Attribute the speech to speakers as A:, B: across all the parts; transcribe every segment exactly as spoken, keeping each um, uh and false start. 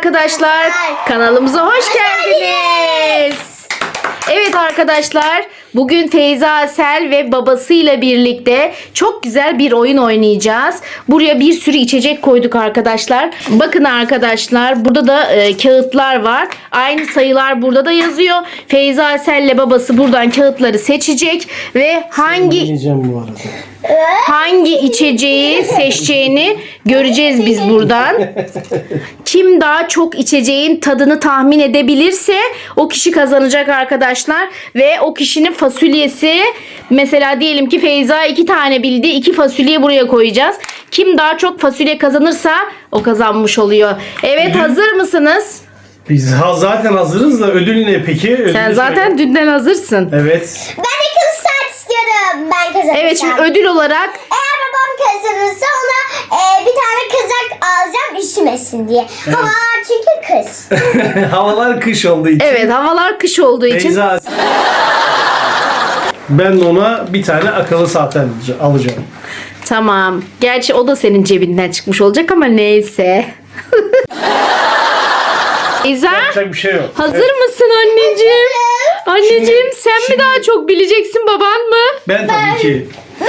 A: arkadaşlar, kanalımıza hoş geldiniz. Evet arkadaşlar, bugün Feyza Asel ve babasıyla birlikte çok güzel bir oyun oynayacağız. Buraya bir sürü içecek koyduk arkadaşlar. Bakın arkadaşlar, burada da e, kağıtlar var. Aynı sayılar burada da yazıyor. Feyza Asel ile babası buradan kağıtları seçecek ve hangi
B: bu arada.
A: hangi içeceği seçeceğini göreceğiz biz buradan. Kim daha çok içeceğin tadını tahmin edebilirse o kişi kazanacak arkadaşlar. Ve o kişinin fasulyesi, mesela diyelim ki Feyza iki tane bildi. iki fasulye buraya koyacağız. Kim daha çok fasulye kazanırsa o kazanmış oluyor. Evet,
B: Ödül-
A: hazır mısınız?
B: Biz ha- zaten hazırız da ödül ne peki? Ödülü
A: Sen zaten
B: söyle.
A: dünden hazırsın.
B: Evet.
C: Ben de kız saat istiyorum. Ben kazanacağım.
A: Evet, şimdi ödül olarak
C: Eğer babam kazanırsa ona e, bir tane kazak alacağım üşümesin diye. Hava çünkü kız.
B: Havalar kış olduğu için.
A: evet, havalar kış olduğu için
B: Feyza. Ben de ona bir tane akıllı saat alacağım.
A: tamam. Gerçi o da senin cebinden çıkmış olacak ama neyse. Feyza,
B: Yapacak bir şey yok.
A: hazır
B: Evet.
A: mısın anneciğim? Anneciğim,
B: Şimdi-
A: sen mi
B: şimdi-
A: daha çok bileceksin, baban mı?
B: Ben tabii ki.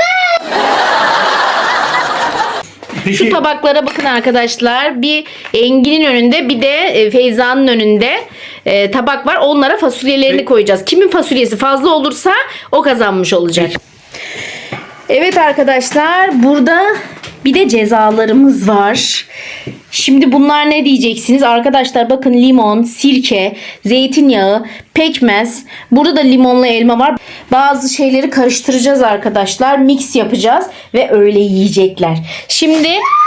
B: Peki,
A: Şu tabaklara bakın arkadaşlar. Bir Engin'in önünde, bir de e, Feyza'nın önünde e, tabak var. Onlara fasulyelerini
B: Peki.
A: koyacağız. Kimin fasulyesi fazla olursa o kazanmış olacak. Evet arkadaşlar, burada bir de cezalarımız var. Şimdi bunlar ne diyeceksiniz? Arkadaşlar bakın, limon, sirke, zeytinyağı, pekmez. Burada da limonlu elma var. Bazı şeyleri karıştıracağız arkadaşlar. Mix yapacağız ve öyle yiyecekler. Şimdi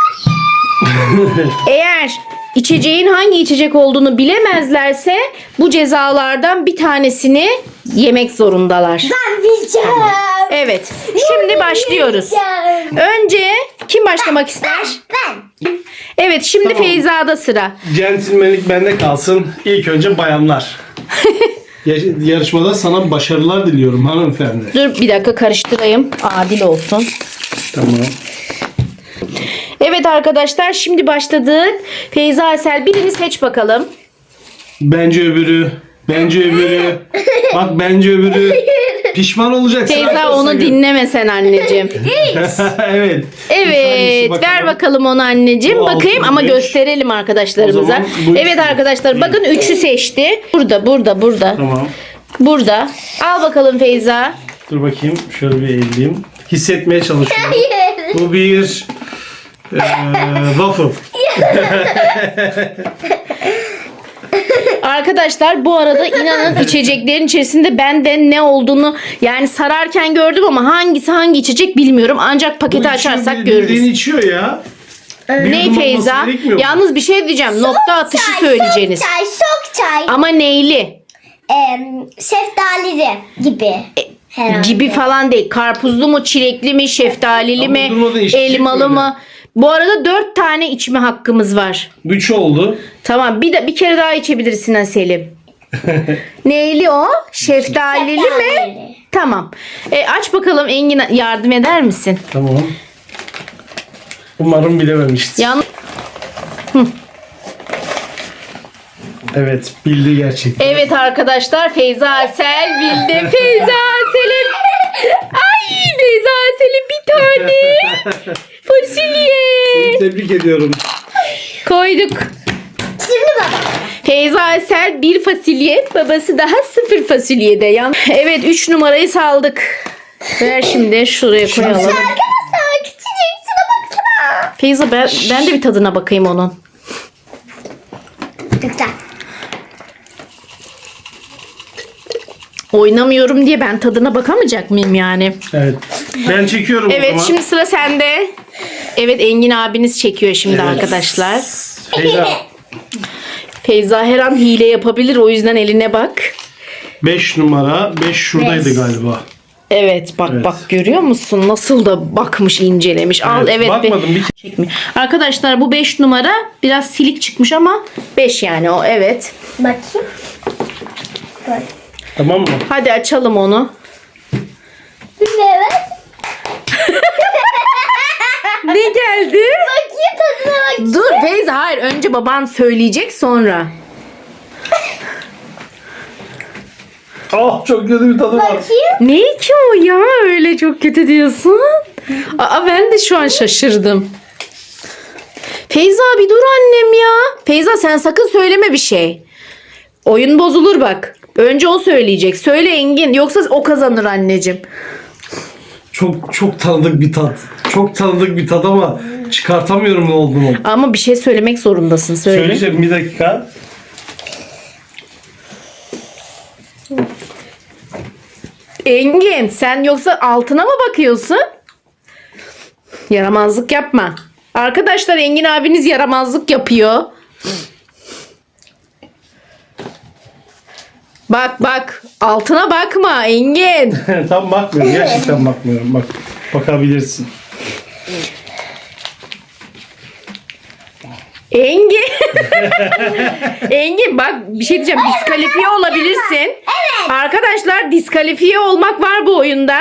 A: eğer içeceğin hangi içecek olduğunu bilemezlerse bu cezalardan bir tanesini yemek zorundalar.
C: Ben bileceğim.
A: Evet. Şimdi başlıyoruz. Önce kim başlamak ister?
C: Ben.
A: Evet, şimdi
B: Tamam.
A: Feyza'da sıra.
B: centilmenlik bende kalsın. İlk önce bayanlar. Ya- Yarışmada sana başarılar diliyorum hanımefendi.
A: Dur bir dakika, karıştırayım. Adil olsun.
B: Tamam.
A: Evet arkadaşlar, şimdi başladık. Feyza Asel, birini seç bakalım.
B: Bence öbürü. Bence öbürü. Bak bence öbürü. Pişman olacaksın.
A: Feyza,
B: arkadaşlar.
A: onu dinleme sen anneciğim.
B: Evet.
A: Evet,
B: Hangisi
A: ver
B: bakalım?
A: bakalım onu anneciğim.
B: Bu
A: Bakayım
B: altı,
A: ama
B: beş.
A: gösterelim
B: O
A: arkadaşlarımıza.
B: zaman bu
A: Evet
B: üçlü.
A: arkadaşlar, bakın üçü seçti. Burada, burada, burada.
B: Tamam.
A: Burada. Al bakalım Feyza.
B: Dur bakayım. Şöyle bir eğileyim. Hissetmeye çalışıyorum.
C: Hayır.
B: Bu bir eee waffle.
A: Arkadaşlar bu arada inanın içeceklerin içerisinde ben de ne olduğunu yani sararken gördüm ama hangisi hangi içecek bilmiyorum. Ancak paketi açarsak
B: Bildiğin
A: görürüz.
B: içiyor ya. Bir
A: Ne
B: yudum
A: Feyza?
B: olması gerekmiyor mu?
A: Yalnız bir şey diyeceğim. Nokta atışı
C: Çay,
A: söyleyeceğiniz.
C: Sok çay, sok çay.
A: Ama neyli?
C: Em, şeftalili gibi. Herhalde.
A: Gibi falan değil. Karpuzlu mu, çilekli mi, şeftalili
B: Ama
A: mi,
B: durmadan içecek
A: elmalı
B: böyle.
A: mı? Bu arada dört tane içme hakkımız var.
B: Üç oldu.
A: Tamam, bir de bir kere daha içebilirsin ha Selim. Neyli o? Şeftalili mi?
C: Şeftalili.
A: Tamam. E, aç bakalım Engin, yardım eder misin?
B: Tamam. Umarım bilememiştir.
A: Yan
B: Evet, bildi gerçekten.
A: Evet arkadaşlar, Feyza Asel bildi. Feyza Asel'in Ay Feyza Asel'in bir tane fasulye
B: Tebrik ediyorum.
A: koyduk.
C: Şimdi bak.
A: Feyza Asel bir fasulye, babası daha sıfır fasulyede. Yan evet, üç numarayı saldık. Ver şimdi şuraya koyalım.
C: Arkadaşlar küçücük şuna baksana.
A: Feyza, ben, ben de bir tadına bakayım onun.
C: Güzel.
A: Oynamıyorum diye ben tadına bakamayacak mıyım yani?
B: Evet. Ben çekiyorum o
A: Evet,
B: zaman.
A: şimdi sıra sende. Evet, Engin abiniz çekiyor şimdi
B: Evet.
A: arkadaşlar.
B: Feyza,
A: Feyza her an hile yapabilir, o yüzden eline bak.
B: beş numara. beş şuradaydı
C: Beş.
B: galiba.
A: Evet, bak
B: Evet.
A: bak, görüyor musun? Nasıl da bakmış, incelemiş. Al evet.
B: Bakmadım.
A: be-
B: Bir...
A: Çekmiyor. Arkadaşlar bu beş numara biraz silik çıkmış ama beş yani o, evet.
C: Bakayım. Böyle.
B: Tamam mı?
A: Hadi açalım onu.
C: Evet.
A: Ne geldi?
C: Bakayım tadına bak.
A: Dur Feyza, hayır, önce baban söyleyecek sonra.
B: Oh, çok kötü bir tadı var.
C: Bakayım.
A: Ne ki o ya, öyle çok kötü diyorsun? Aa, ben de şu an şaşırdım. Feyza bir dur annem ya. Feyza sen sakın söyleme bir şey. Oyun bozulur bak. Önce o söyleyecek. Söyle Engin, yoksa o kazanır anneciğim.
B: Çok çok tanıdık bir tat. Çok tanıdık bir tat ama çıkartamıyorum ne olduğunu.
A: Ama bir şey söylemek zorundasın. Söyle.
B: Söyleyeceğim, bir dakika.
A: Engin, sen yoksa altına mı bakıyorsun? Yaramazlık yapma. Arkadaşlar, Engin abiniz yaramazlık yapıyor. Bak bak, altına bakma Engin.
B: Tam bakmıyorum. Gerçekten bakmıyorum. Bak, bakabilirsin.
A: Engin. Engin bak, bir şey diyeceğim. Diskalifiye olabilirsin.
C: Evet.
A: Arkadaşlar, diskalifiye olmak var bu oyunda.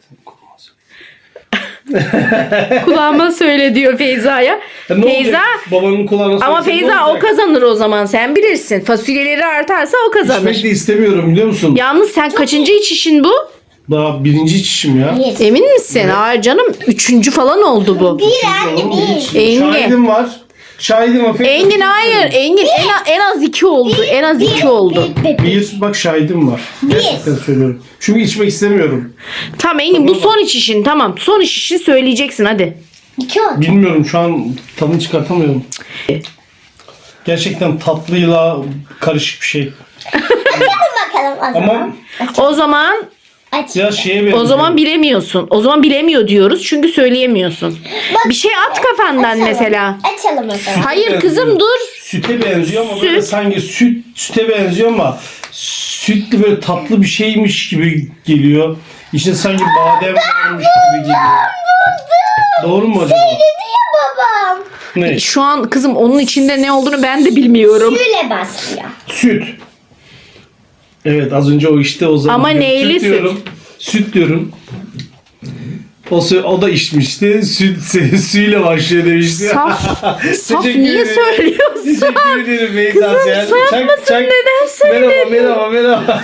A: Kulağıma söyle diyor Feyza'ya.
B: Ya ne
A: Feyza,
B: olacak? Babanın kulağına
A: ama
B: söylesek ne
A: Feyza o
B: olacak?
A: kazanır o zaman, sen bilirsin. Fasulyeleri artarsa o kazanır.
B: İçmek de istemiyorum, biliyor musun?
A: Yalnız sen kaçıncı içişin bu?
B: Daha birinci içişim ya.
C: Bir.
A: Emin misin? Hayır canım, üçüncü falan oldu bu.
C: Bir anne bir.
A: Engin.
B: Şahidim var. Şahidim var.
A: Engin hayır. Engin en, az- en az iki oldu. En az iki oldu.
C: Bir, bir, bir.
B: Bir, bak şahidim var. Gerçekten söylüyorum. Çünkü içmek istemiyorum.
A: Tamam Engin, bu son içişin. Tamam, son içişi söyleyeceksin hadi.
C: İki oldu.
B: Bilmiyorum, şu an tadını çıkartamıyorum. Gerçekten tatlıyla karışık bir şey.
C: Açalım bakalım o zaman.
B: Ama
A: O zaman
C: Aç.
B: ya şeye benziyor.
A: o zaman bilemiyorsun. O zaman bilemiyor diyoruz çünkü söyleyemiyorsun. Bir şey at kafandan
C: Açalım.
A: mesela.
C: Açalım o zaman.
A: Hayır kızım, dur.
B: Süte benziyor ama
A: Süt.
B: böyle sanki süt süte benziyor ama sütlü böyle tatlı bir şeymiş gibi geliyor. İçinde sanki badem varmış gibi geliyor. Doğru mu acaba?
C: Dedi ya babam.
B: Ne?
A: Şu an kızım onun içinde ne olduğunu ben de bilmiyorum.
C: Süle basıyor.
B: Süt. Evet, az önce o işte o zaman.
A: Ama neyli süt?
B: diyorum. Süt diyorum. O, sü- o da içmişti. Süt suyla başlıyor demişti.
A: Saf, saf
B: Teşekkür
A: niye
B: ederim.
A: söylüyorsun?
B: Teşekkür ederim Beyza.
A: Kızım,
B: Sen-
A: saf
B: çak-
A: mısın?
B: çak-
A: Neden söyledin?
B: Merhaba, merhaba, merhaba.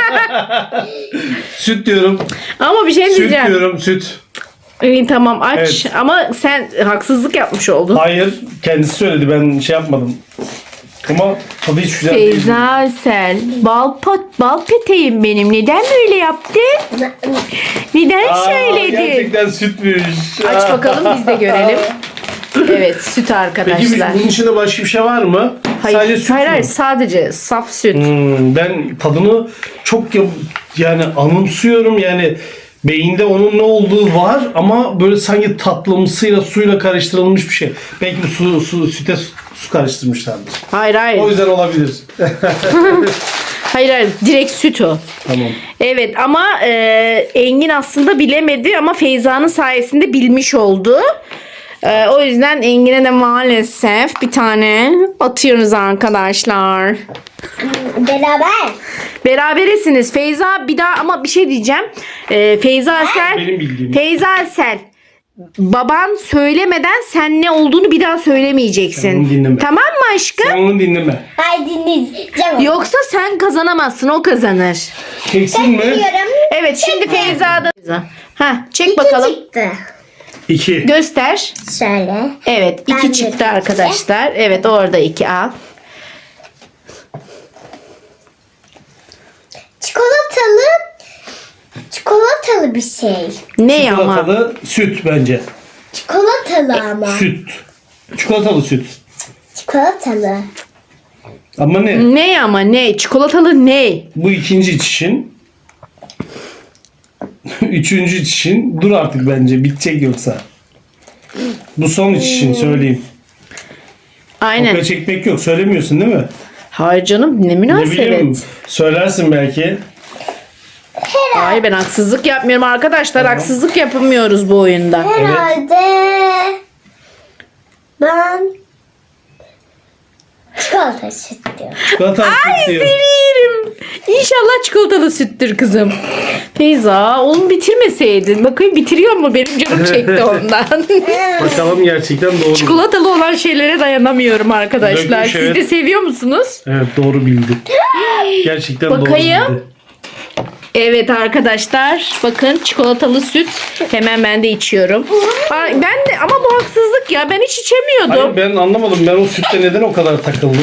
B: Süt diyorum.
A: Ama bir şey
B: Süt
A: diyeceğim.
B: diyorum, süt.
A: İyi tamam aç.
B: Evet.
A: Ama sen haksızlık yapmış oldun.
B: Hayır, kendisi söyledi. Ben şey yapmadım. Ama tadı hiç güzel değil.
A: Feyza sen bal pot bal peteğim benim. Neden böyle yaptın? Neden
B: Aa,
A: söyledin?
B: gerçekten sütmüş.
A: Aç bakalım biz de görelim. Evet, süt
B: Peki
A: arkadaşlar.
B: bunun içinde başka bir şey var mı?
A: Hayır,
B: Sadece süt
A: hayır,
B: mü?
A: hayır, sadece saf süt.
B: Hmm, ben tadını çok ya- yani anımsıyorum, yani beyinde onun ne olduğu var ama böyle sanki tatlımsıyla suyla karıştırılmış bir şey. Belki de su, su süte su, su karıştırmışlardır.
A: Hayır hayır.
B: O yüzden olabilir.
A: Hayır hayır, direkt süt o.
B: Tamam.
A: Evet ama e, Engin aslında bilemedi ama Feyza'nın sayesinde bilmiş oldu. E, o yüzden Engin'e de maalesef bir tane atıyoruz arkadaşlar.
C: Beraber.
A: Beraberesiniz. Feyza bir daha, ama bir şey diyeceğim. E, Feyza sen
B: Benim bildiğim.
A: Feyza sen baban söylemeden sen ne olduğunu bir daha söylemeyeceksin.
B: Sen onu dinleme.
A: Tamam mı aşkım?
B: Sen onu dinleme.
C: Haydi dinleyeceğim.
A: Yoksa sen kazanamazsın, o kazanır.
B: Çeksin mi?
C: Biliyorum.
A: Evet, şimdi Feyza'da. Ha, çek
C: İki
A: bakalım.
C: çıktı.
B: İki.
A: Göster.
C: Şöyle.
A: Evet, iki
C: Ben de
A: çıktı
C: iki.
A: arkadaşlar. Evet, orada iki al.
C: Çikolatalı çikolatalı bir şey.
A: Ne ama?
B: Çikolatalı süt bence.
C: Çikolatalı ama.
B: Süt. Çikolatalı süt.
C: Çikolatalı.
B: Ama ne?
A: Ne ama ne? Çikolatalı ne?
B: Bu ikinci içişin. Üçüncü içişin. Dur artık bence. Bitecek yoksa. Bu son içişin, söyleyeyim.
A: Aynen.
B: Kopya çekmek yok. Söylemiyorsun değil mi?
A: Hayır canım, ne
B: Ne bileyim.
A: münasebet.
B: Söylersin belki.
A: Hayır, ben haksızlık yapmıyorum arkadaşlar. Haksızlık yapamıyoruz bu oyunda.
C: Herhalde ben çikolata süt diyorum.
B: Çikolatalı süt diyor.
A: Seni yerim. İnşallah çikolatalı süttür kızım. Feyza oğlum bitirmeseydin. Bakayım bitiriyor mu? Benim canım çekti ondan.
B: Bakalım gerçekten doğru mu?
A: Çikolatalı olan şeylere dayanamıyorum arkadaşlar.
B: Dökmüş,
A: Siz
B: evet.
A: de seviyor musunuz?
B: Evet doğru bildi. Gerçekten
A: Bakayım.
B: doğru bildi.
A: Evet arkadaşlar bakın çikolatalı süt hemen ben de içiyorum. Aa, ben de ama bu haksızlık ya ben hiç içemiyordum.
B: Hayır ben anlamadım. Ben o sütte neden o kadar takıldım?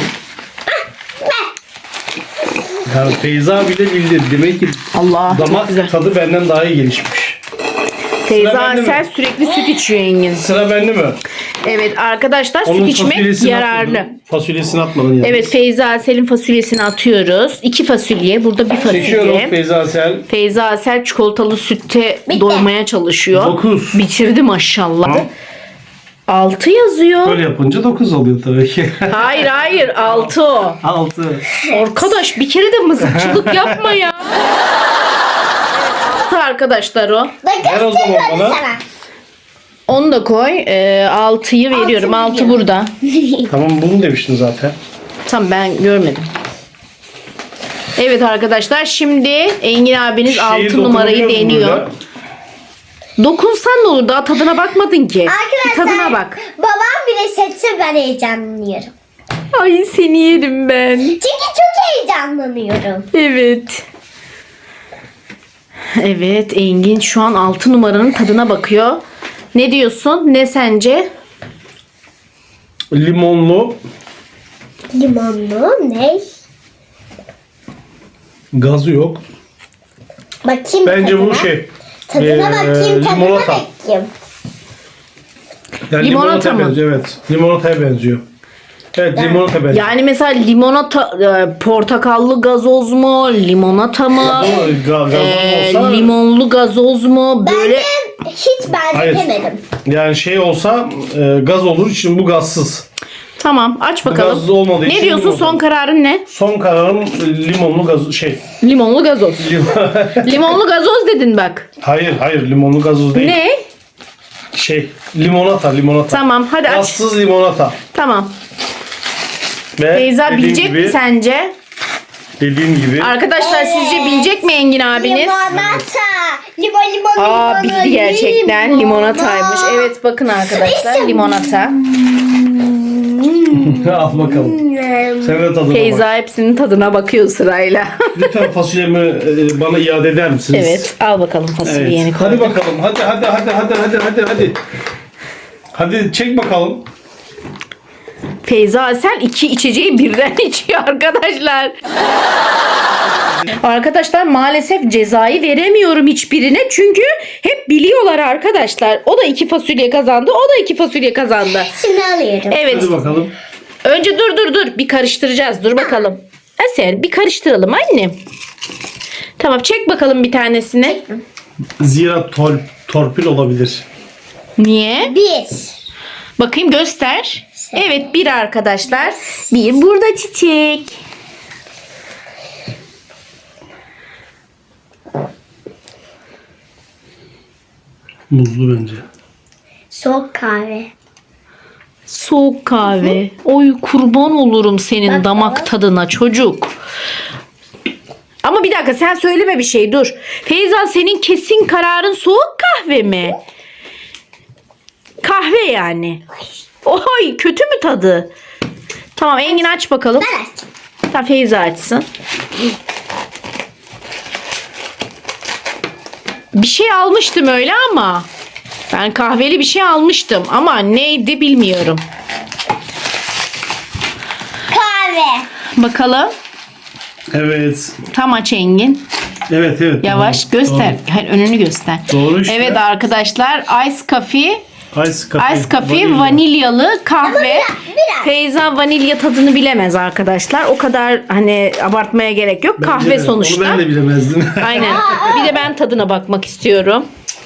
B: Yani Feyza bile bildi. Demek ki
A: Allah çok
B: damak
A: güzel.
B: tadı benden daha iyi gelişmiş.
A: Teyze
B: bende mi?
A: Asel sürekli süt içiyor Engin.
B: Sıra bende mi?
A: Evet arkadaşlar
B: Onun
A: süt içmek
B: fasulyesini
A: yararlı.
B: atmadın. Fasulyesini atmadın yani.
A: Evet Feyza Asel'in fasulyesini atıyoruz. İki fasulye burada bir
B: Seçiyorum
A: fasulye.
B: Feyza Asel.
A: Feyza Asel çikolatalı sütte
C: Bitti.
A: doymaya çalışıyor.
B: Dokuz.
A: Bitirdi maşallah.
B: Ha?
A: Altı yazıyor.
B: Böyle yapınca dokuz oluyor tabii ki.
A: Hayır hayır altı o.
B: altı.
A: Arkadaş bir kere de mızıkçılık yapma ya. Altı arkadaşlar o.
B: Ver o
C: Bakın
B: zaman
C: hadi
B: bana.
C: sana.
A: Onu da koy. Ee, altıyı veriyorum.
C: Altı
A: Altı
C: veriyorum.
A: burada.
B: Tamam bunu demiştin zaten.
A: Tamam ben görmedim. Evet arkadaşlar şimdi Engin abiniz
B: Şeyi
A: altı numarayı
B: dokunuyoruz
A: deniyor.
B: burada.
A: Dokunsan ne olur daha tadına bakmadın ki. Bir
C: Arkadaşlar
A: tadına bak.
C: babam bile seçse ben heyecanlanıyorum.
A: Ay seni yerim ben.
C: Çünkü çok heyecanlanıyorum.
A: Evet. Evet Engin şu an altı numaranın tadına bakıyor. Ne diyorsun? Ne sence?
B: Limonlu.
C: Limonlu ne?
B: Gazı yok.
C: Bakayım
B: Bence
C: tadına.
B: bu şey.
C: Tadına
B: ee,
C: bakayım, tadına
B: limonata.
C: bakayım.
B: Yani
A: Limonata
B: limonata
A: mı?
B: benziyor evet. Limonataya benziyor. Evet limonata benziyor.
A: Yani mesela limonata, e, portakallı gazoz mu? Limonata mı?
B: Ama ga- gazoz
A: Ee,
B: olsa-
A: limonlu gazoz mu? Böyle
C: Ben de hiç
B: Hayır.
C: benzetemedim.
B: Yani şey olsa e, gaz olur için bu gazsız.
A: tamam aç
B: gaz
A: bakalım.
B: olmadığı
A: Ne
B: için
A: diyorsun
B: limon.
A: son kararın ne?
B: Son kararım e, limonlu gaz şey.
A: Limonlu gazoz.
B: lim-
A: Limonlu gazoz dedin bak.
B: hayır hayır limonlu gazoz değil.
A: Ne?
B: Şey limonata limonata.
A: Tamam hadi aç.
B: Gazsız limonata.
A: Tamam.
B: Ve
A: Feyza
B: dediğim
A: bilecek
B: gibi,
A: mi sence?
B: Dediğim gibi.
A: Arkadaşlar
C: Evet.
A: sizce bilecek mi Engin abiniz?
C: Limonata. Limon limon
A: Aa
C: limon.
A: bildi gerçekten limonataymış. Evet bakın arkadaşlar
C: İşte-
A: limonata.
B: Al bakalım. Sen de tadına bak.
A: Feyza hepsinin tadına bakıyor sırayla.
B: Lütfen fasulyemi e, bana iade eder misiniz?
A: Evet al bakalım fasulyeni
B: Evet.
A: koy.
B: Hadi bakalım. Hadi hadi hadi hadi hadi hadi hadi. Hadi çek bakalım.
A: Feyza Asel iki içeceği birden içiyor arkadaşlar. Arkadaşlar maalesef cezayı veremiyorum hiçbirine. Çünkü hep biliyorlar arkadaşlar. O da iki fasulye kazandı. O da iki fasulye kazandı.
C: Şimdi alıyorum.
A: Evet.
B: Hadi bakalım.
A: Önce dur dur dur. Bir karıştıracağız. Dur bakalım. Asel bir karıştıralım annem. Tamam çek bakalım bir tanesini.
B: Zira tol, torpil olabilir.
A: Niye?
C: Bir.
A: Bakayım göster. Evet bir arkadaşlar. Bir burada çiçek.
B: Muzlu bence.
C: Soğuk kahve.
A: Soğuk kahve. Oy kurban olurum senin
C: Bak
A: damak
C: baba.
A: tadına çocuk. Ama bir dakika sen söyleme bir şey dur. Feyza senin kesin kararın soğuk kahve mi? Kahve yani. Oy kötü mü tadı? Tamam Engin aç bakalım.
C: Ben açtım.
A: Tamam Feyza açsın. Bir şey almıştım öyle ama. Ben kahveli bir şey almıştım ama neydi bilmiyorum.
C: Kahve.
A: Bakalım.
B: Evet.
A: Tam aç Engin.
B: Evet evet.
A: Yavaş
B: Doğru.
A: göster. Hayır, önünü göster.
B: Doğru işte.
A: Evet arkadaşlar Ice Coffee.
B: Doğru. Ice coffee.
A: Ice Coffee
B: vanilya.
A: vanilyalı kahve.
C: biraz, biraz.
A: Feyza vanilya tadını bilemez arkadaşlar. O kadar hani abartmaya gerek yok.
B: Bence
A: Kahve
B: de.
A: sonuçta.
B: Onu ben de bilemezdim.
A: Aynen. Bir de ben tadına bakmak istiyorum.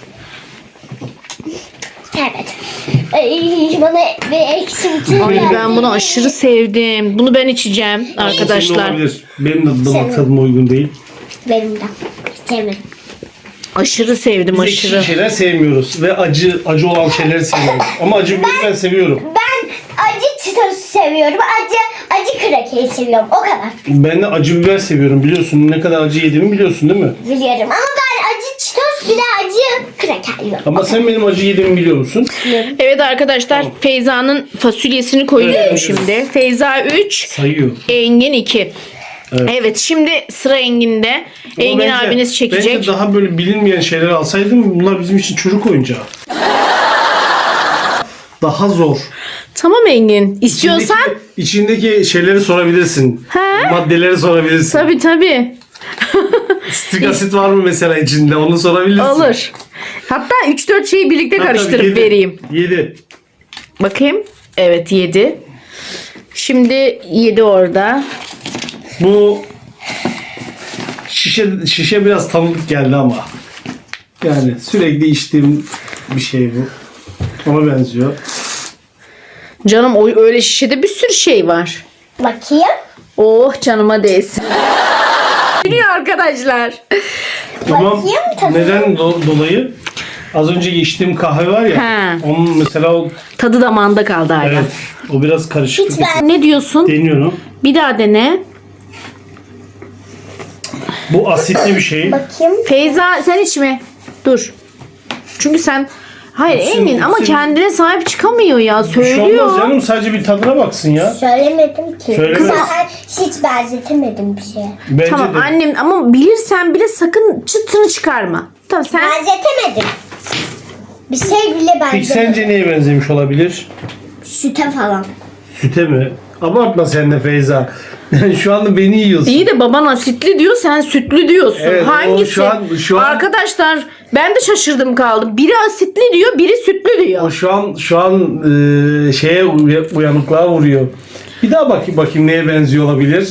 C: Evet. Ay, bana bir eksim tuz
A: Ay
C: geldi.
A: ben bunu aşırı sevdim. Bunu ben içeceğim
B: Senin
A: arkadaşlar.
B: olabilir. Benim de damak
C: Senin.
B: tadıma uygun değil.
C: Benim de. Sevmedim.
A: Aşırı sevdim
B: Biz
A: aşırı.
B: ekşi şeyler sevmiyoruz ve acı acı olan şeyleri seviyoruz. Ama acı biberi ben seviyorum.
C: Ben acı çitosu seviyorum. Acı acı krakeri seviyorum. O kadar.
B: Ben de acı biber seviyorum biliyorsun. Ne kadar acı yediğimi biliyorsun değil mi?
C: Biliyorum. Ama ben acı sos bir de acı kraker yok.
B: Ama sen benim acı yediğimi biliyor musun?
A: Evet arkadaşlar Feyza'nın fasulyesini koyuyorum
B: Evet.
A: şimdi. Feyza üç,
B: Sayıyor.
A: Engin iki.
B: Evet.
A: Evet şimdi sıra Engin'de. Engin
B: Ama bence-
A: abiniz çekecek.
B: Bence daha böyle bilinmeyen şeyler alsaydım bunlar bizim için çocuk oyuncağı. Daha zor.
A: Tamam Engin. İstiyorsan
B: İçindeki, içindeki şeyleri sorabilirsin.
A: He?
B: Maddeleri sorabilirsin.
A: tabii tabii.
B: Strik asit var mı mesela içinde onu sorabilirsin.
A: Olur. Hatta üç dört şeyi birlikte karıştırıp vereyim.
B: yedi.
A: Bakayım. Evet yedi. Şimdi yedi orada.
B: Bu şişe şişe biraz tanıdık geldi ama. Yani sürekli içtiğim bir şey bu. Ona benziyor.
A: Canım o öyle şişede bir sürü şey var.
C: Bakayım.
A: Oh canıma değsin. Biliyor arkadaşlar.
B: Ama
C: Bakayım tabii.
B: neden do- dolayı? Az önce içtiğim kahve var ya.
A: He.
B: Onun mesela o,
A: Tadı damağında kaldı hala.
B: evet, o biraz karışık.
C: Hiç ben
A: Ne diyorsun?
B: Deniyorum.
A: Bir daha dene.
B: Bu asitli bir şey.
C: bakayım.
A: Feyza sen içme. Dur. Çünkü sen hayır
B: İçsin,
A: Engin ama
B: içsin.
A: kendine sahip çıkamıyor ya.
B: Bir şey olmaz
A: Söylüyor.
B: canım, sadece bir tadına baksın ya.
C: Söylemedim ki.
B: Söylemez.
C: Kız zaten hiç benzetemedim bir şeye.
B: Bence
A: Tamam
B: de.
A: annem ama bilirsen bile sakın çıtını çıkarma. Tamam sen
C: Benzetemedim. Bir şey bile
B: Peki
C: benzetemedim.
B: sence neye benzemiş olabilir?
C: Süte falan.
B: Süte mi? Abartma sen de Feyza. Şu anda beni yiyorsun.
A: iyi de baban asitli diyor sen sütlü diyorsun.
B: Evet, o
A: Hangisi?
B: şu an- şu an-
A: Arkadaşlar ben de şaşırdım kaldım. Biri asitli diyor biri sütlü
B: O
A: diyor.
B: şu an şu an e, şeye uya- uyanıklığa vuruyor. Bir daha bakayım bakayım neye benziyor olabilir.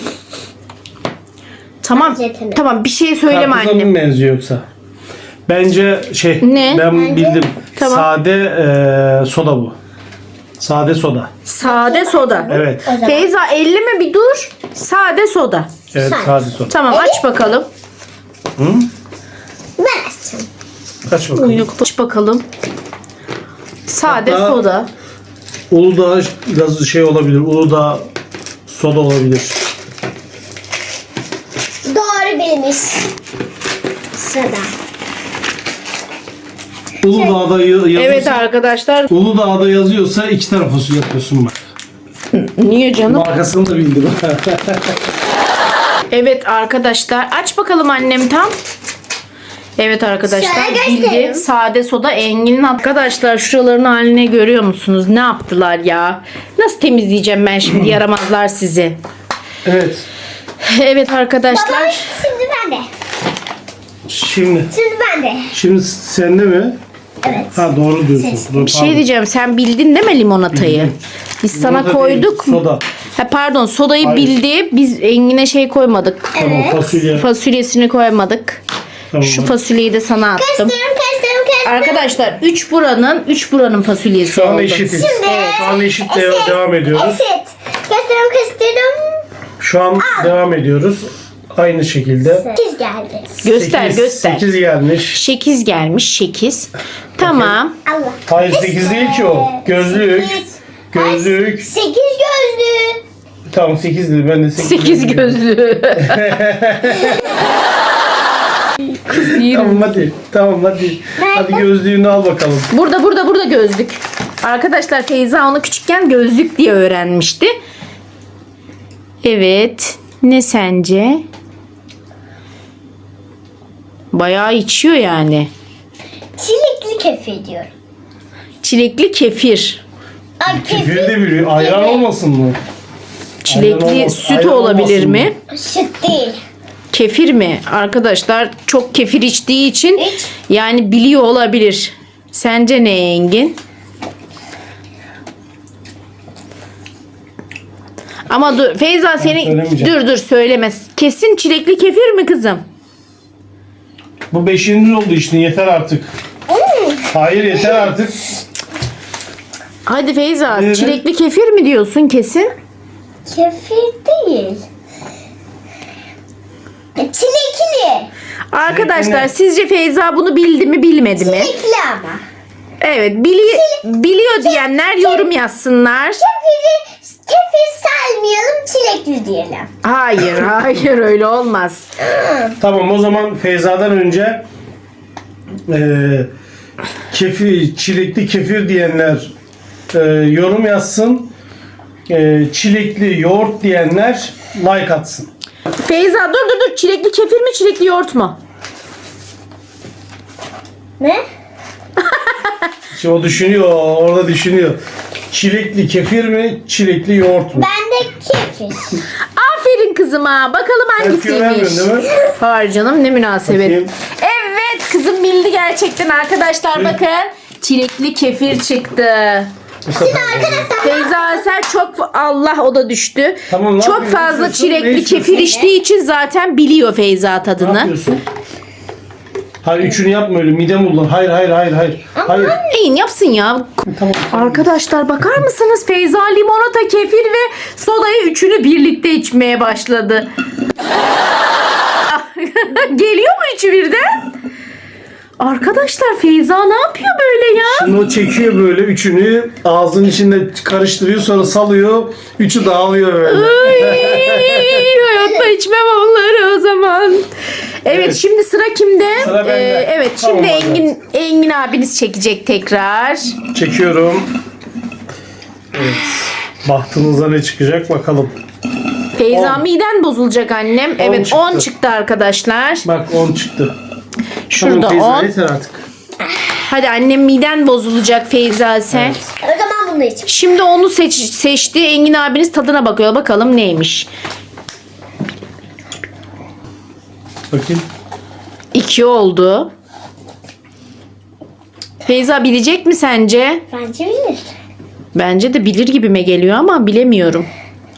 A: Tamam
C: Benzetemedim.
A: tamam bir şey söyleme
B: Karpuza
A: annem.
B: mı benziyor yoksa? Bence şey
A: Ne?
B: ben
C: Bence-
B: bildim.
A: Tamam.
B: Sade e, soda bu. Sade soda.
A: Sade soda.
B: Evet.
C: O zaman.
A: Feyza elleme bir dur. Sade soda.
B: Evet
C: Sade.
B: sade soda.
A: Tamam aç bakalım.
B: Hı?
C: Ben açacağım.
B: Kaç bakalım.
A: Yok aç bakalım. Sade
B: Hatta-
A: soda.
B: Uludağ biraz şey olabilir. Uludağ soda olabilir.
C: Doğru bilmiş. Sırada.
B: Uludağ'da ya- yazıyorsa,
A: Evet arkadaşlar.
B: Uludağ'da yazıyorsa iki tane fasulye yapıyorsun bak.
A: Niye canım?
B: Markasını da bildim.
A: Evet arkadaşlar. Aç bakalım annem tam. Evet arkadaşlar.
C: Şöyle
A: Bildi.
C: göstereyim.
A: Sade soda Engin'in. Arkadaşlar şuraların haline görüyor musunuz? Ne yaptılar ya? Nasıl temizleyeceğim ben şimdi yaramazlar sizi.
B: Evet.
A: Evet arkadaşlar.
C: Baba şimdi ben de.
B: Şimdi
C: Şimdi ben de.
B: şimdi sende mi?
C: Evet.
B: Ha doğru diyorsun.
C: Ses.
B: Dur,
A: Bir şey
B: pardon.
A: diyeceğim. Sen bildin değil mi limonatayı? Biz sana
B: Limonata
A: koyduk
B: değil,
A: mu?
B: soda.
A: Ha, pardon sodayı
B: Hayır.
A: bildi. Biz Engin'e şey koymadık.
B: Tamam
C: Evet.
B: fasulye.
A: Fasulyesini koymadık.
B: Tamam.
A: Şu fasulyeyi de sana attım.
C: Karıştırıyorum karıştırıyorum karıştırıyorum.
A: Arkadaşlar üç buranın üç buranın fasulyesi
B: Şu an
A: oldu.
B: eşitiz.
C: Şimdi.
B: Şu an eşit de-
C: Eşit.
B: devam ediyoruz.
C: Eşit. Karıştırıyorum karıştırıyorum.
B: Şu an devam ediyoruz. Aynı şekilde.
C: Sekiz geldi.
A: Göster
B: sekiz,
A: göster.
B: sekiz gelmiş.
A: sekiz gelmiş sekiz. Tamam.
C: Allah.
B: Hayır sekiz değil ki o. Gözlük.
C: Sekiz.
B: Gözlük.
C: Ay, sekiz gözlü.
B: Tamam sekiz dedi. Ben de sekiz.
A: sekiz gözlü.
B: Tamam hadi. Tamam hadi. Hadi
C: Nerede?
B: gözlüğünü al bakalım.
A: Burada burada burada gözlük. Arkadaşlar Feyza onu küçükken gözlük diye öğrenmişti. Evet. Ne sence? Bayağı içiyor yani.
C: Çilekli kefir diyorum.
A: Çilekli kefir.
C: Ay
B: Kefir
C: kefir.
B: de biliyor. Ayran
C: Evet.
B: olmasın mı?
A: Çilekli
B: Ayran olmaz-
A: süt
B: ayran
A: olabilir
B: olmasın
A: mi?
C: Süt değil.
A: Kefir mi? Arkadaşlar çok kefir içtiği için
C: İç.
A: yani biliyor olabilir. Sence ne Engin? Ama dur Feyza seni
B: söylemeyeceğim.
A: dur dur söylemez. Kesin çilekli kefir mi kızım?
B: Bu beşinci oldu işte. Yeter artık.
C: Hmm.
B: Hayır yeter artık.
A: Hadi Feyza
B: Evet.
A: çilekli kefir mi diyorsun kesin?
C: Kefir değil. Çilekli.
A: Arkadaşlar
B: ne?
A: sizce Feyza bunu bildi mi bilmedi mi?
C: Çilekli ama.
A: Evet bili biliyor diyenler yorum yazsınlar.
C: Kefiri, kefir saymayalım, çilekli diyelim.
A: Hayır hayır öyle olmaz.
B: Tamam o zaman Feyza'dan önce Ee, kefir, çilekli kefir diyenler e, yorum yazsın. Ee, çilekli yoğurt diyenler like atsın.
A: Feyza dur dur dur. Çilekli kefir mi çilekli yoğurt mu?
C: Ne?
B: Şimdi o düşünüyor, orada düşünüyor. Çilekli kefir mi, çilekli yoğurt mu?
C: Ben de kefir.
A: Aferin kızıma. Bakalım
B: Tepki vermiyorsun
A: hangisiymiş.
B: değil mi?
A: Hayır canım ne münasebet.
B: Bakayım.
A: Evet kızım bildi gerçekten arkadaşlar bakın. Çilekli kefir çıktı.
B: Bu sefer
C: Arkadaşlar
A: Feyza Asel çok Allah o da düştü.
B: Tamam, ne
A: çok
B: yapıyorsun?
A: fazla
B: Ne istiyorsun? Ne
A: çilekli
B: istiyorsun?
A: kefir içtiği için zaten biliyor Feyza
B: ne
A: tadını.
B: yapıyorsun? Hayır üçünü yapma öyle, midem bulan. Hayır hayır hayır hayır. Hayır.
A: Neyin yapsın ya?
B: Tamam.
A: Arkadaşlar bakar mısınız? Feyza limonata, kefir ve sodayı üçünü birlikte içmeye başladı. Geliyor mu üçü birden? Arkadaşlar Feyza ne yapıyor böyle ya?
B: Şimdi o çekiyor böyle üçünü, ağzının içinde karıştırıyor, sonra salıyor. Üçü dağılıyor böyle.
A: Ay, hayatta içmem onları o zaman. Evet,
B: Evet.
A: şimdi sıra kimde?
B: Sıra bende.
A: Ee, evet
B: Tamam,
A: şimdi
B: hadi.
A: Engin Engin abiniz çekecek tekrar.
B: Çekiyorum. Evet. Bahtınıza ne çıkacak bakalım.
A: Feyza
B: On.
A: miden bozulacak annem. Evet
B: çıktı.
A: on çıktı arkadaşlar.
B: Bak on çıktı.
A: Şurada
B: Tamam, Feyza,
A: on.
B: yeter artık.
A: Hadi annem miden bozulacak Feyza sen.
B: Evet.
C: o zaman bunu içeyim.
A: Şimdi onu seç, seçti. Engin abiniz tadına bakıyor. Bakalım neymiş.
B: Bakayım.
A: İki oldu. Feyza bilecek mi sence?
C: Bence bilir.
A: Bence de bilir gibime geliyor ama bilemiyorum.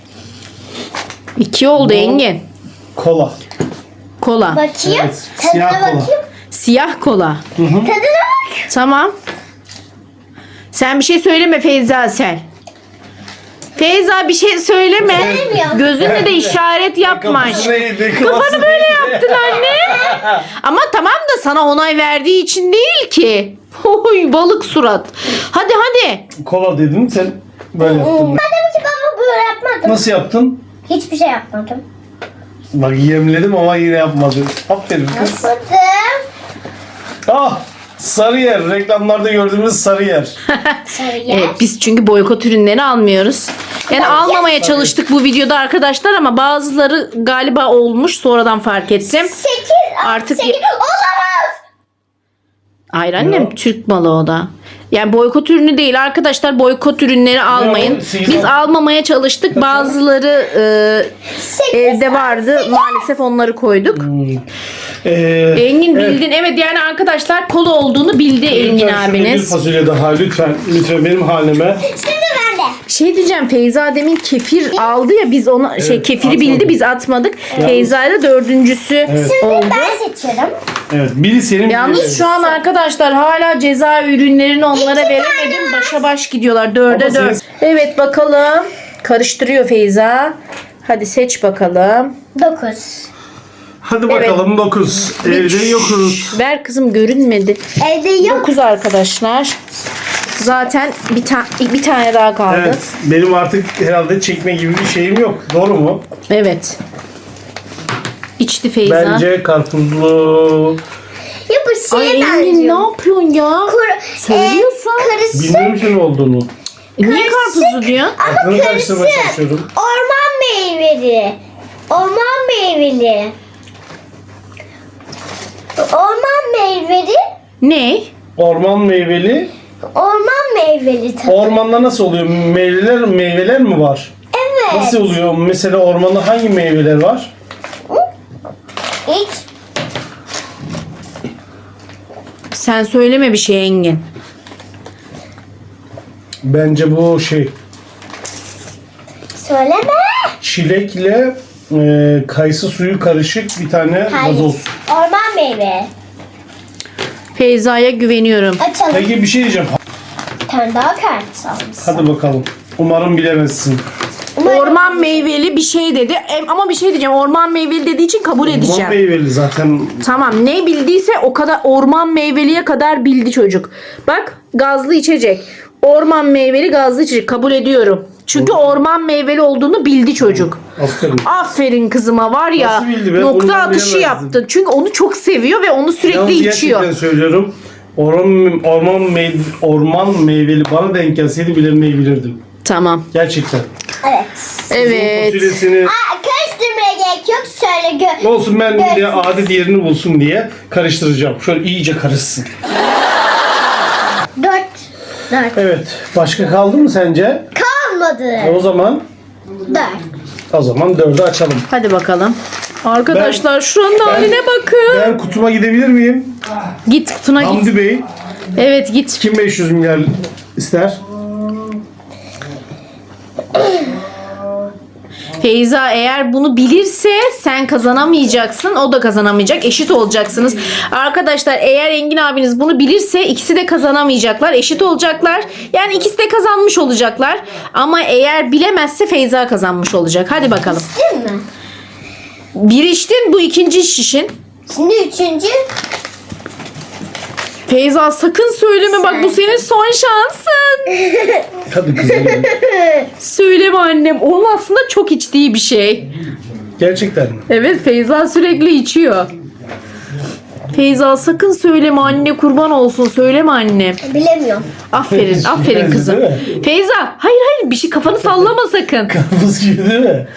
A: İki oldu
B: Bu-
A: Engin.
B: Kola.
A: Kola.
C: Bakayım.
B: Evet,
C: Tadına
B: siyah kola.
C: bakayım.
A: Siyah kola.
C: Tadına bak.
A: Tamam. Sen bir şey söyleme Feyza sen. Feyza bir şey söyleme.
C: Söylemiyorum.
A: Gözünle de işaret yapma.
B: Kafası neydi?
A: Kafanı böyle yaptın anne. Ama tamam da sana onay verdiği için değil ki. Oy balık surat. Hadi hadi.
B: Kola dedim, sen böyle yaptın.
C: Ben dedim ki baba böyle yapmadım.
B: Nasıl yaptın?
C: Hiçbir şey yapmadım.
B: Bak yemledim ama yine yapmadı. Aferin kız.
C: Yapmadım.
B: Ah! Sarıyer. Reklamlarda gördüğümüz Sarıyer.
C: Sarıya.
A: Evet, biz çünkü boykot ürünleri almıyoruz. Yani
C: Ben
A: almamaya
C: yapmadım.
A: çalıştık bu videoda arkadaşlar ama bazıları galiba olmuş sonradan fark ettim.
C: Sekiz.
A: Artık-
C: Sekiz. Olamaz.
A: Hayır annem
B: Yok.
A: Türk malı o da. Yani boykot ürünü değil arkadaşlar, boykot ürünleri almayın.
B: sekiz
A: Biz
B: al-
A: almamaya çalıştık. Bazıları e,
C: Sekiz.
A: evde vardı. Maalesef onları koyduk.
B: Ee,
A: Engin
B: evet.
A: bildin. Evet yani arkadaşlar kola olduğunu bildi Engin
B: Lütfen şöyle bir
A: abiniz.
B: fasulye daha lütfen. Lütfen benim halime.
C: Şimdi ben de.
A: Şey diyeceğim, Feyza demin kefir aldı ya, biz ona şey
B: Evet,
A: kefiri
B: atmadık.
A: bildi, biz atmadık. Feyza da dördüncüsü
B: Evet.
A: oldu.
C: Ben seçiyorum.
B: Evet. Biri senin biri
A: Yalnız
B: benim.
A: şu an arkadaşlar hala ceza ürünlerini onlara veremedim. Başa baş gidiyorlar. Dörde
B: Ama
A: dört.
B: siz-
A: Evet bakalım. Karıştırıyor Feyza. Hadi seç bakalım.
C: Dokuz.
B: Hadi bakalım dokuz. Evde yokuz.
A: Ver kızım, görünmedi.
C: Evde yok.
A: dokuz arkadaşlar. Zaten bir, ta- bir tane daha kaldı.
B: Evet. Benim artık herhalde çekme gibi bir şeyim yok. Doğru mu?
A: Evet. İçti Feyza.
B: Bence karpuzlu.
C: Ya bu
A: Ay
C: şeye
A: Engin ne
C: benziyor.
A: yapıyorsun ya?
C: Kur,
A: Söylüyorsun.
C: E, karışık.
B: Bilmiyorum ki ne olduğunu.
A: E, Niye
C: karışık.
A: karpuzlu diyor?
C: Ama
B: Aklını karıştırmaya
C: karışık.
B: çalışıyorum.
C: Orman meyveli. Orman meyveli. Orman meyveli.
A: Ne?
B: Orman meyveli.
C: Orman meyveli tadı.
B: Ormanda nasıl oluyor? Meyveler meyveler mi var?
C: Evet.
B: Nasıl oluyor? Mesela ormanda hangi meyveler var?
C: İç.
A: Sen söyleme bir şey Engin.
B: Bence bu şey
C: Söyleme.
B: çilekle e, kayısı suyu karışık bir tane
C: Hayır.
B: gazoz.
C: Orman meyve.
A: Feyza'ya güveniyorum.
C: Açalım.
B: Peki bir şey diyeceğim.
C: Bir tane daha kart almışsın.
B: Hadi bakalım. Umarım bilemezsin.
C: Umarım-
A: Orman meyveli bir şey dedi. Em- Ama bir şey diyeceğim. Orman meyveli dediği için kabul
B: Orman
A: edeceğim.
B: meyveli zaten.
A: Tamam, ne bildiyse o kadar, orman meyveliye kadar bildi çocuk. Bak, gazlı içecek. Orman meyveli gazlı içecek. Kabul ediyorum. Çünkü orman meyveli olduğunu bildi çocuk.
B: Aferin.
A: Aferin kızıma var ya.
B: Nasıl bildi be?
A: Nokta
B: Bunu ben
A: atışı
B: bilemezdim.
A: yaptın. Çünkü onu çok seviyor ve onu sürekli
B: Yalnız
A: içiyor.
B: gerçekten söylüyorum. Orman, orman, meyve, orman meyveli bana denk gelseydi bilemeyebilirdim.
A: Tamam.
B: Gerçekten.
C: Evet.
A: Evet.
B: Fasulyesini
C: Aa, karıştırmaya gerek yok. Şöyle gö
B: olsun ben
C: Görsün.
B: de adet yerini bulsun diye karıştıracağım. Şöyle iyice karışsın.
C: Dört. Dört.
B: Evet. Başka kaldı mı sence?
C: Kalmadı.
B: O zaman
C: Dört.
B: o zaman dördü açalım.
A: Hadi bakalım. Arkadaşlar
B: Ben-
A: şuranın haline bakın.
B: Ben kutuma gidebilir miyim?
A: Git kutuna git.
B: Hamdi Bey
A: Evet git.
B: kim beş yüz milyar ister?
A: Feyza eğer bunu bilirse sen kazanamayacaksın. O da kazanamayacak. Eşit olacaksınız. Arkadaşlar eğer Engin abiniz bunu bilirse ikisi de kazanamayacaklar. Eşit olacaklar. Yani ikisi de kazanmış olacaklar. Ama eğer bilemezse Feyza kazanmış olacak. Hadi bakalım.
C: Değil mi?
A: Bir içtin, bu ikinci şişin.
C: Şimdi üçüncü.
A: Feyza sakın söyleme, bak bu senin son şansın.
B: Hadi kızım.
A: Söyleme annem. Onun aslında çok içtiği bir şey.
B: Gerçekten mi?
A: Evet, Feyza sürekli içiyor. Feyza sakın söyleme anne, kurban olsun, söyleme anne.
C: Bilemiyorum.
A: Aferin, aferin
B: Bilmez,
A: kızım.
B: değil mi?
A: Feyza hayır hayır bir şey, kafanı sallama sakın.
B: Karpuz gibi değil mi?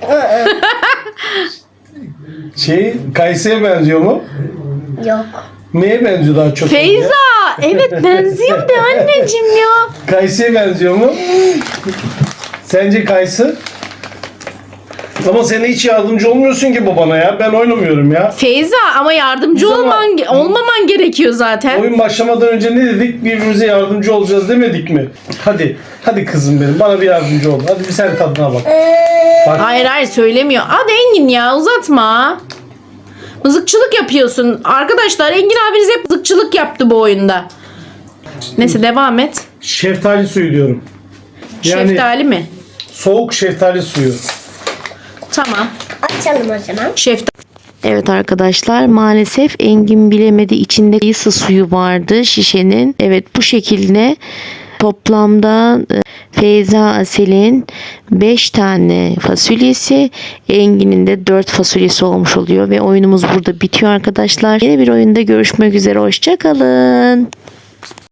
B: şey kayısıya benziyor mu?
C: Yok.
B: Neye benziyor daha çok?
A: Feyza evet benziyor de anneciğim ya.
B: Kayısıya benziyor mu? Sence kayısı? Ama sen hiç yardımcı olmuyorsun ki babana ya. Ben oynamıyorum ya.
A: Feyza ama yardımcı
B: Biz ama-
A: olman olmaman gerekiyor zaten.
B: Oyun başlamadan önce ne dedik? Birbirimize yardımcı olacağız demedik mi? Hadi. Hadi kızım benim. Bana bir yardımcı ol. Hadi bir sen tadına bak. Bak.
A: Hayır hayır söylemiyor. Hadi Engin ya, uzatma. Mızıkçılık yapıyorsun. Arkadaşlar Engin abiniz hep mızıkçılık yaptı bu oyunda. Neyse devam et.
B: Şeftali suyu diyorum. Yani
A: Şeftali mi?
B: soğuk şeftali suyu.
A: Tamam.
C: Açalım o zaman.
A: Şeftali.
D: Evet arkadaşlar, maalesef Engin bilemedi, içinde kayısı suyu vardı şişenin. Evet, bu şekilde toplamda e, Feyza Asel'in beş tane fasulyesi, Engin'in de dört fasulyesi olmuş oluyor ve oyunumuz burada bitiyor arkadaşlar. Yeni bir oyunda görüşmek üzere, hoşça kalın.